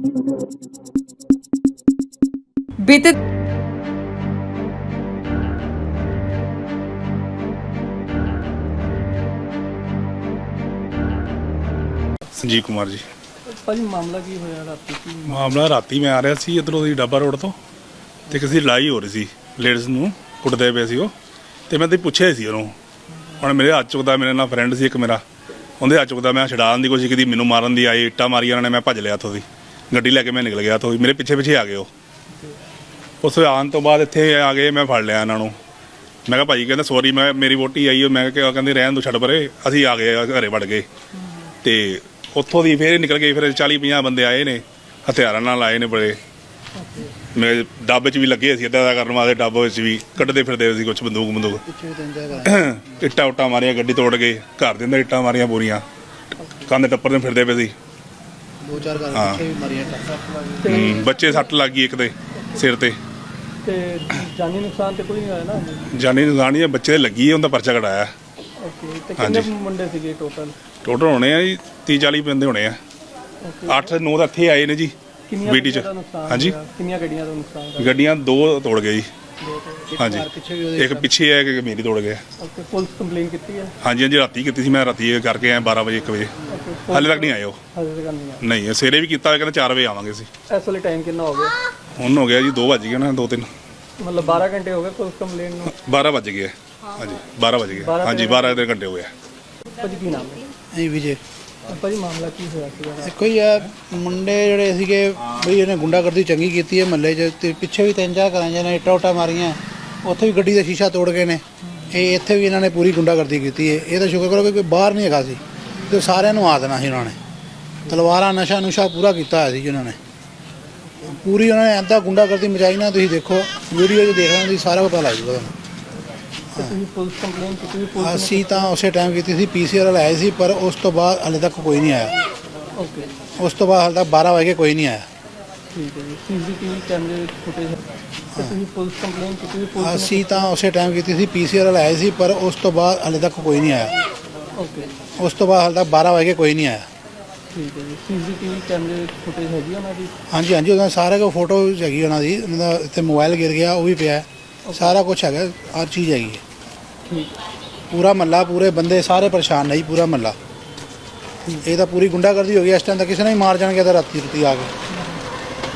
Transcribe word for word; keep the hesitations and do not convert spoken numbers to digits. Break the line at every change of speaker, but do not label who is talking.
बीते
संजीव कुमार जी।
ਭਾਜੀ ਮਾਮਲਾ ਕੀ ਹੋਇਆ ਰਾਤੀ ਕੀ
ਮਾਮਲਾ ਰਾਤੀ ਮੈਂ ਆ ਰਿਹਾ ਸੀ ਇੱਧਰੋਂ ਦੀ ਡੱਬਾ ਰੋਡ ਤੋਂ ਤੇ ਕਿਸੇ ਦੀ ਲੜਾਈ ਹੋ ਰਹੀ ਸੀ, ਲੇਡੀਜ਼ ਨੂੰ ਕੁੱਟਦੇ ਪਏ ਸੀ ਉਹ, ਤੇ ਮੈਂ ਤੇ ਪੁੱਛਿਆ ਸੀ ਉਹਨੂੰ। ਹੁਣ ਮੇਰੇ ਹੱਥ ਚੁੱਕਦਾ, ਮੇਰੇ ਨਾਲ ਫਰੈਂਡ ਸੀ ਇੱਕ ਮੇਰਾ, ਉਹਦੇ ਹੱਥ ਚੁੱਕਦਾ, ਮੈਂ ਛਡਾਉਣ ਦੀ ਕੋਸ਼ਿਸ਼ ਕੀਤੀ, ਮੈਨੂੰ ਮਾਰਨ ਦੀ ਆਈ, ਇੱਟਾਂ ਮਾਰੀਆਂ ਉਹਨਾਂ ਨੇ, ਮੈਂ ਭੱਜ ਲਿਆ ਉੱਥੋਂ ਦੀ, ਗੱਡੀ ਲੈ ਕੇ ਮੈਂ ਨਿਕਲ ਗਿਆ ਉੱਥੋਂ ਦੀ, ਮੇਰੇ ਪਿੱਛੇ ਪਿੱਛੇ ਆ ਗਏ ਉਹ। ਉਸ ਆਉਣ ਤੋਂ ਬਾਅਦ ਇੱਥੇ ਆ ਗਏ, ਮੈਂ ਫੜ ਲਿਆ ਇਹਨਾਂ ਨੂੰ। ਮੈਂ ਕਿਹਾ ਭਾਜੀ, ਕਹਿੰਦਾ ਸੌਰੀ, ਮੈਂ ਮੇਰੀ ਵੋਟੀ ਆਈ, ਮੈਂ ਕਿਹਾ ਕਹਿੰਦੇ ਰਹਿਣ ਤੋਂ ਛੱਡ ਪਰੇ, ਅਸੀਂ ਆ ਗਏ ਘਰੇ ਵੜ ਗਏ। ਤੇ ਉੱਥੋਂ ਦੀ ਫਿਰ ਨਿਕਲ ਗਏ, ਫਿਰ ਚਾਲੀ ਪੰਜਾਹ ਬੰਦੇ ਆਏ ਨੇ, ਹਥਿਆਰਾਂ ਨਾਲ ਆਏ ਨੇ ਬੜੇ। ਮੇਰੇ ਡੱਬ 'ਚ ਵੀ ਲੱਗੇ ਸੀ ਇੱਦਾਂ ਦਾ ਕਰਨ ਵਾਸਤੇ, ਡੱਬ ਵਿੱਚ ਵੀ ਕੱਢਦੇ ਫਿਰਦੇ ਸੀ ਕੁਛ ਬੰਦੂਕ ਬੰਦੂਕ ਇੱਟਾਂ ਉੱਟਾਂ ਮਾਰੀਆਂ, ਗੱਡੀ ਤੋੜ ਗਏ, ਘਰ ਦੇ ਅੰਦਰ ਇੱਟਾਂ ਮਾਰੀਆਂ ਪੂਰੀਆਂ, ਕੰਧ ਟੱਪਰ ਦੇ ਫਿਰਦੇ ਪਏ ਸੀ।
ਦੋ ਚਾਰ ਘਰ ਪਿੱਛੇ ਵੀ ਮਾਰੀਆਂ ਟੱਕਰ।
ਹੂੰ, ਬੱਚੇ ਸੱਟ ਲੱਗ ਗਈ ਇੱਕ ਦੇ ਸਿਰ ਤੇ।
ਤੇ ਜਾਨੀ ਨੁਕਸਾਨ ਤੇ ਕੋਈ ਨਹੀਂ ਹੋਇਆ ਨਾ?
ਜਾਨੀ ਨੁਕਸਾਨ ਨਹੀਂ, ਬੱਚੇ ਦੇ ਲੱਗੀ ਹੈ, ਉਹਦਾ ਪਰਚਾ ਕਢਾਇਆ।
ਓਕੇ, ਤੇ ਕਿੰਨੇ ਮੁੰਡੇ ਸੀਗੇ ਟੋਟਲ?
ਟੋਟਲ ਹੋਣੇ ਆ ਜੀ ਤੀਹ ਚਾਲੀ ਬੰਦੇ ਹੋਣੇ ਆ। ਅੱਠ ਨੌ ਤਾਂ ਇੱਥੇ ਆਏ ਨੇ ਜੀ ਬੀਡੀ 'ਚ। ਹਾਂਜੀ,
ਕਿੰਨੀਆਂ ਗੱਡੀਆਂ ਦਾ ਨੁਕਸਾਨ ਹੋਇਆ?
ਗੱਡੀਆਂ ਦੋ ਤੋੜ ਗਏ ਜੀ। ਹਾਂਜੀ,
ਪਿੱਛੇ ਵੀ ਉਹਦੇ
ਇੱਕ ਪਿੱਛੇ ਹੈ, ਇੱਕ ਮੇਰੀ ਤੋੜ ਗਿਆ।
ਓਕੇ, ਪੁਲਿਸ ਕੰਪਲੇਨ ਕੀਤੀ ਹੈ?
ਹਾਂਜੀ ਹਾਂਜੀ, ਰਾਤੀ ਕੀਤੀ ਸੀ ਮੈਂ, ਰਾਤੀ ਕਰਕੇ ਆਇਆ ਬਾਰਾਂ ਵਜੇ ਇੱਕ ਵਜੇ।
ਓਕੇ,
ਹਾਲੇ ਤੱਕ ਨਹੀਂ ਆਏ ਉਹ।
ਹਾਲੇ ਤੱਕ ਨਹੀਂ ਆਇਆ?
ਨਹੀਂ, ਸਵੇਰੇ ਵੀ ਕੀਤਾ, ਕਹਿੰਦਾ ਚਾਰ ਵਜੇ ਆਵਾਂਗੇ ਅਸੀਂ।
ਇਸ ਵੇਲੇ ਟਾਈਮ ਕਿੰਨਾ ਹੋ ਗਿਆ?
ਹੁਣ ਹੋ ਗਿਆ ਜੀ ਦੋ ਵੱਜ ਗਏ ਨਾ, ਦੋ ਤਿੰਨ
ਮਤਲਬ ਬਾਰਾਂ ਘੰਟੇ ਹੋ ਗਏ ਪੁਲਿਸ ਕੰਪਲੇਨ ਨੂੰ?
ਬਾਰਾਂ ਵੱਜ ਗਏ। ਹਾਂਜੀ ਬਾਰਾਂ ਵੱਜ ਗਏ। ਹਾਂਜੀ ਬਾਰਾਂ ਦੇ ਘੰਟੇ ਹੋ ਗਏ।
ਭਾਜੀ ਕੀ ਨਾਮ ਹੈ?
ਨਹੀਂ ਵਿਜੇ।
ਭਾਜੀ ਮਾਮਲਾ ਕੀ ਹੋਇਆ ਸੀਗਾ?
ਦੇਖੋ ਜੀ, ਆ ਮੁੰਡੇ ਜਿਹੜੇ ਸੀਗੇ ਬਈ, ਇਹਨੇ ਗੁੰਡਾਗਰਦੀ ਚੰਗੀ ਕੀਤੀ ਹੈ ਮਹੱਲੇ 'ਚ, ਤੇ ਪਿੱਛੇ ਵੀ ਤਿੰਨ ਚਾਰ ਘਰਾਂ 'ਚ ਨੇ ਇੱਟਾਂ ਉੱਟਾਂ ਮਾਰੀਆਂ, ਉੱਥੇ ਵੀ ਗੱਡੀ ਦਾ ਸ਼ੀਸ਼ਾ ਤੋੜ ਗਏ ਨੇ। ਇਹ ਇੱਥੇ ਵੀ ਇਹਨਾਂ ਨੇ ਪੂਰੀ ਗੁੰਡਾਗਰਦੀ ਕੀਤੀ ਹੈ। ਇਹ ਤਾਂ ਸ਼ੁਕਰ ਕਰੋ ਕਿ ਕੋਈ ਬਾਹਰ ਨਹੀਂ ਹੈਗਾ ਸੀ, ਤੇ ਸਾਰਿਆਂ ਨੂੰ ਆ ਦੇਣਾ ਸੀ ਉਹਨਾਂ ਨੇ। ਤਲਵਾਰਾਂ, ਨਸ਼ਾ ਨੁਸ਼ਾ ਪੂਰਾ ਕੀਤਾ ਹੋਇਆ ਸੀ ਉਹਨਾਂ ਨੇ, ਪੂਰੀ ਉਹਨਾਂ ਨੇ ਇੱਦਾਂ ਗੁੰਡਾਗਰਦੀ ਮਚਾਈ ਨਾ, ਤੁਸੀਂ ਦੇਖੋ ਵੀਡੀਓ 'ਚ ਦੇਖ ਲੈਣਾ, ਤੁਸੀਂ ਸਾਰਾ ਪਤਾ ਲੱਗ ਜੂਗਾ ਤੁਹਾਨੂੰ।
ਤੁਸੀਂ ਪੁਲਿਸ ਕੰਪਲੇਨ ਕੀਤੀ? ਪੁਲਿਸ
ਅਸੀਂ ਤਾਂ ਉਸੇ ਟਾਈਮ ਕੀਤੀ ਸੀ, ਪੀ ਸੀ ਆਰ ਆਏ ਸੀ, ਪਰ ਉਸ ਤੋਂ ਬਾਅਦ ਹਾਲੇ ਤੱਕ ਕੋਈ ਨਹੀਂ ਆਇਆ।
ਓਕੇ,
ਉਸ ਤੋਂ ਬਾਅਦ ਹਾਲੇ ਤੱਕ ਬਾਰਾਂ ਵਜੇ ਕੋਈ ਨਹੀਂ ਆਇਆ।
ਠੀਕ ਹੈ ਜੀ। ਸੀ ਸੀ ਟੀ ਵੀ ਕੈਮਰੇ ਵਿੱਚ ਫੁਟੇਜ ਹੈ ਤੇ ਤੁਸੀਂ ਪੁਲਿਸ ਕੰਪਲੇਨ ਕੀਤੀ? ਪੁਲਿਸ
ਅਸੀਂ ਤਾਂ ਉਸੇ ਟਾਈਮ ਕੀਤੀ ਸੀ, ਪੀ ਸੀ ਆਰ ਆਏ ਸੀ, ਪਰ ਉਸ ਤੋਂ ਬਾਅਦ ਹਾਲੇ ਤੱਕ ਕੋਈ ਨਹੀਂ ਆਇਆ।
ਓਕੇ,
ਉਸ ਤੋਂ ਬਾਅਦ ਹਾਲੇ ਤੱਕ ਬਾਰਾਂ ਵਜੇ ਕੋਈ ਨਹੀਂ ਆਇਆ।
ਠੀਕ ਹੈ ਜੀ। ਸੀ ਸੀ ਟੀ ਵੀ ਕੈਮਰੇ ਵਿੱਚ ਫੁਟੇਜ ਹੈਗੀ ਉਹਨਾਂ ਦੀ?
ਹਾਂਜੀ ਹਾਂਜੀ, ਉਹਨਾਂ ਸਾਰੇ ਕੋ ਫੋਟੋ ਹੈਗੀ ਉਹਨਾਂ ਦੀ, ਉਹਨਾਂ ਦਾ ਇੱਥੇ ਮੋਬਾਈਲ ਗਿਰ ਗਿਆ ਉਹ ਵੀ ਪਿਆ, ਸਾਰਾ ਕੁਝ ਹੈਗਾ, ਹਰ ਚੀਜ਼ ਹੈਗੀ ਹੈ।
ਠੀਕ,
ਪੂਰਾ ਮਹੱਲਾ, ਪੂਰੇ ਬੰਦੇ ਸਾਰੇ ਪਰੇਸ਼ਾਨ ਨੇ ਜੀ, ਪੂਰਾ ਮਹੱਲਾ। ਇਹ ਤਾਂ ਪੂਰੀ ਗੁੰਡਾਗਰਦੀ ਹੋ ਗਈ ਇਸ ਟਾਈਮ, ਤਾਂ ਕਿਸੇ ਨੇ ਹੀ ਮਾਰ ਜਾਣਗੇ ਤਾਂ ਰਾਤੀ ਰੁਤੀ ਆ ਕੇ।